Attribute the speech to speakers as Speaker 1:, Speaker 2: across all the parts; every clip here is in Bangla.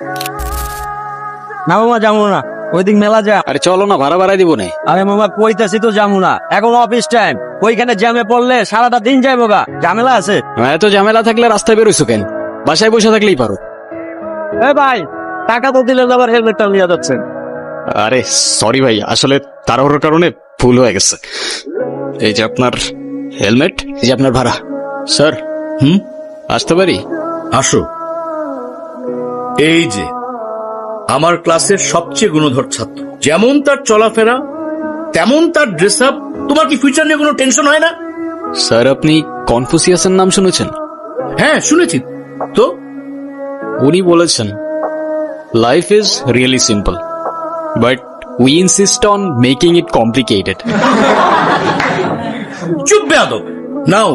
Speaker 1: না মামা যাবো না, ওইদিক মেলা যা।
Speaker 2: আরে চলো না, ভাড়া বাড়াই দিব না।
Speaker 1: আরে মামা কইতাছি তো যাবো না, এখন অফিস টাইম, ওইখানে জ্যামে পড়লে সারাটা দিন যাইবো গা, ঝামেলা আছে।
Speaker 2: এত ঝামেলা থাকলে রাস্তায় বেরোইছো কেন? বাসায় বসে থাকলেই পারো।
Speaker 1: এ ভাই, টাকা তো দিলেন, আবার হেলমেটটা নিয়ে যাচ্ছেন।
Speaker 2: আরে সরি ভাই, আসলে তাড়াহুড়োর কারণে ভুল হয়ে গেছে। এই যে আপনার হেলমেট, এই যে আপনার ভাড়া। স্যার আসতে পারি?
Speaker 3: আসো। এই যে আমার ক্লাসের সবচেয়ে গুণধর ছাত্র, যেমন তার চলাফেরা তেমন তার ড্রেস আপ। তোমার কি ফিউচার নিয়ে কোনো টেনশন হয় না?
Speaker 2: স্যার আপনি কনফুসিয়াসের নাম শুনেছেন?
Speaker 3: হ্যাঁ শুনেছি তো।
Speaker 2: উনি বলেছেন life is really simple but we insist on making it complicated.
Speaker 3: চুপ বেয়াদব। নাও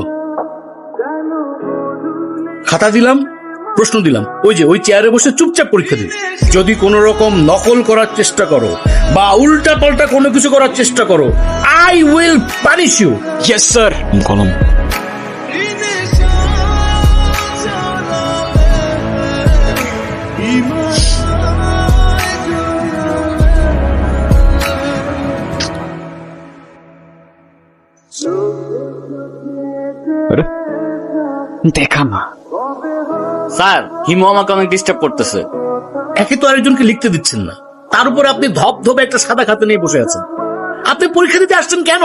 Speaker 3: খাতা দিলাম, প্রশ্ন দিলাম, ওই যে ওই চেয়ারে বসে চুপচাপ পরীক্ষা দিবে। যদি কোনো রকম নকল করার চেষ্টা করো বা উল্টা পাল্টা কোনো কিছু করার চেষ্টা করো, I will punish you.
Speaker 2: Yes sir. কলম। দেখা না
Speaker 4: স্যার, হিমু আমাকে অনেক ডিস্টার্ব করতেছে।
Speaker 3: একে তো আরেকজনকে লিখতে দিচ্ছেন না, তার উপর আপনি ধপ ধপে একটা সাদা খাতা নিয়ে বসে আছেন। আপনি পরীক্ষা দিতে আসছেন কেন?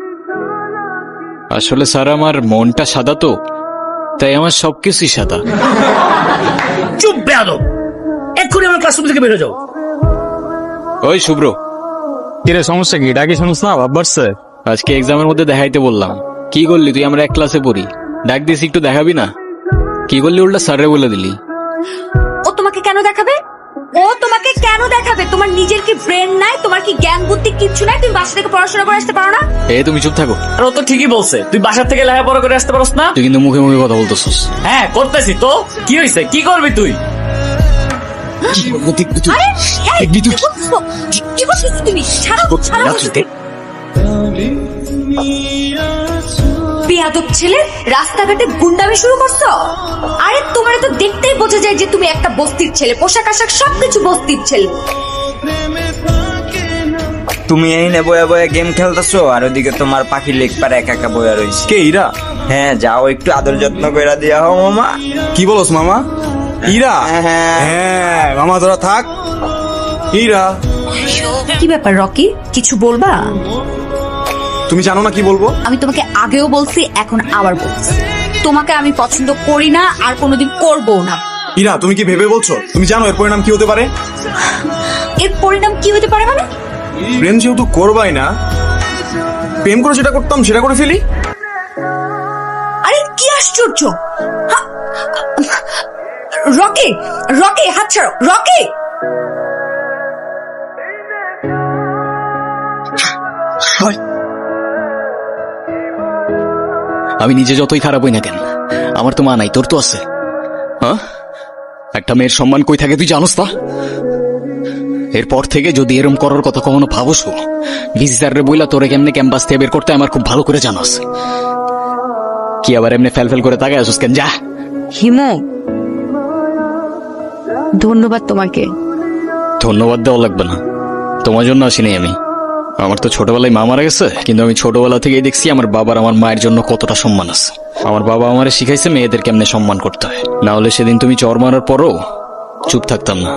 Speaker 2: আসলে স্যার আমার মনটা সাদা তো, তাই আমার সবকিছুই সাদা।
Speaker 3: চুপ বেয়াদব, এক্ষুনি আমার ক্লাসরুম থেকে বেরো যাও।
Speaker 2: ওই শুভ্র,
Speaker 5: কিরে সমস্যা কি? ডাকি শুনুস না, ভাব বাড়ছে।
Speaker 2: আজকে এক্সামের মধ্যে দেখাইতে বললাম, কি করলি তুই? আমরা এক ক্লাসে পড়ি, ডাক দিস একটু দেখাবি না? কি করলি উল্টা স্যারে বলে দিলি।
Speaker 6: ও তোমাকে কেন দেখাবে? ও তোমাকে কেন দেখাবে? তোমার নিজের কি ব্রেন নাই? তোমার কি জ্ঞান বুদ্ধি কিচ্ছু নাই? তুমি বাসা থেকে পড়াশোনা করে আসতে পারো না?
Speaker 2: তুমি চুপ থাকো।
Speaker 4: আর ও তো ঠিকই বলছে, তুই বাসার থেকে লেখাপড়া করে আসতে পারস না।
Speaker 2: তুই কিন্তু মুখে মুখে কথা বলতেছিস।
Speaker 4: হ্যাঁ করতেছি তো, কি হয়েছে? কি করবি তুই?
Speaker 6: আরে এই, কি করছো? কি করছো তুমি? ছাড়ো, ছাড়ো। বেয়াদব ছেলে, রাস্তাঘাটে গুন্ডামি শুরু করছো? আরে তোমার তো দেখতেই বোঝা যায় যে তুমি একটা বস্তির ছেলে, পোশাক আশাক সবকিছু বস্তির ছেলে।
Speaker 7: তুমি এই নে বয়া বয়া গেম খেলতেছো, আর ওদিকে তোমার পাখি লেগ পারে একা একা বয়া রয়েছে।
Speaker 5: কে ইরা?
Speaker 7: হ্যাঁ যাও, একটু আদর যত্ন করে দিয়া হও মামা।
Speaker 5: কি বলস মামা? ইরা?
Speaker 7: হ্যাঁ।
Speaker 5: হ্যাঁ মামা তোরা থাক। ইরা,
Speaker 6: কি ব্যাপার রকি, কিছু বলবা?
Speaker 5: তুমি জানো না কি বলবো?
Speaker 6: আমি তোমাকে আগেও বলছি, এখন আবার বলছি, তোমাকে আমি পছন্দ করি না আর কোনোদিন করবো না।
Speaker 5: ইরা তুমি কি ভেবে বলছো? তুমি জানো এর পরিণাম কি হতে পারে?
Speaker 6: এর পরিণাম কি হতে পারে মানে?
Speaker 5: প্রেম যেহেতু করবাই না, প্রেম করে যেটা করতাম সেটা করে ফেলি।
Speaker 6: আরে কি আশ্চর্য! হা- রকি, রকি হাত ছাড়ো, রকি!
Speaker 2: আমি নিজে যতই খারাপ হই না কেন, আমার তো মা নাই, তোর তো আছে। হ্যাঁ, একটা মেয়ের সম্মান কই থাকে তুই জানোস তা? এরপর থেকে যদি এরম করার কথা কখনো ভাবস, ভিসি স্যাররে বইলা তোরে কেমনে ক্যাম্পাস থেকে বের করতে আমার খুব ভালো করে জানাস। কি আবার এমনি ফেল ফেল করে তাকায় আসুস কেন? যা।
Speaker 6: হিমু, ধন্যবাদ তোমাকে।
Speaker 2: ধন্যবাদ দেওয়া লাগবে না, তোমার জন্য আসিনি আমি। আমার তো ছোটবেলায় মা মারা গেছে, কিন্তু আমি ছোটবেলা থেকেই দেখছি আমার বাবার আমার মায়ের জন্য কতটা সম্মান আছে। আমার বাবা আমারে শিখাইছে মেয়েদের কেমনে সম্মান করতে হয়, না হলে সেদিন তুমি চর মারার পরও চুপ থাকতাম না।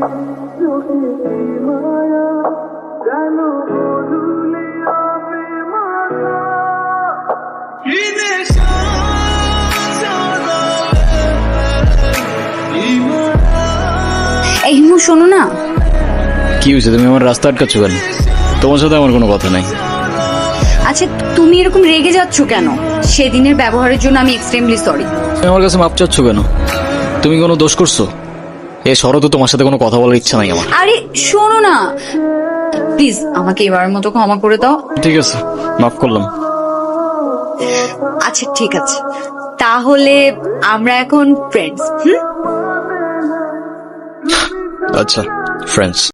Speaker 6: এই হিমু শোনো না।
Speaker 2: কি হয়েছে? তুমি আমার রাস্তা আটকাচ্ছ কেন? তোমার সাথে আমার কোনো কথা নাই।
Speaker 6: আচ্ছা তুমি এরকম রেগে যাচ্ছ কেন? সেদিনের ব্যবহারের জন্য আমি এক্সট্রিমলি সরি।
Speaker 2: তুমি আমার কাছে মাপ চাচ্ছ কেন? তুমি কোনো দোষ করছো? এ শরৎ, তোমার সাথে কোনো কথা বলার ইচ্ছা নাই আমার।
Speaker 6: আরে শোনো না প্লিজ, আমাকে এবারের মতো ক্ষমা করে দাও।
Speaker 2: ঠিক আছে, মাফ করলাম।
Speaker 6: আচ্ছা ঠিক আছে, তাহলে আমরা এখন ফ্রেন্ডস।
Speaker 2: আচ্ছা, ফ্রেন্ডস।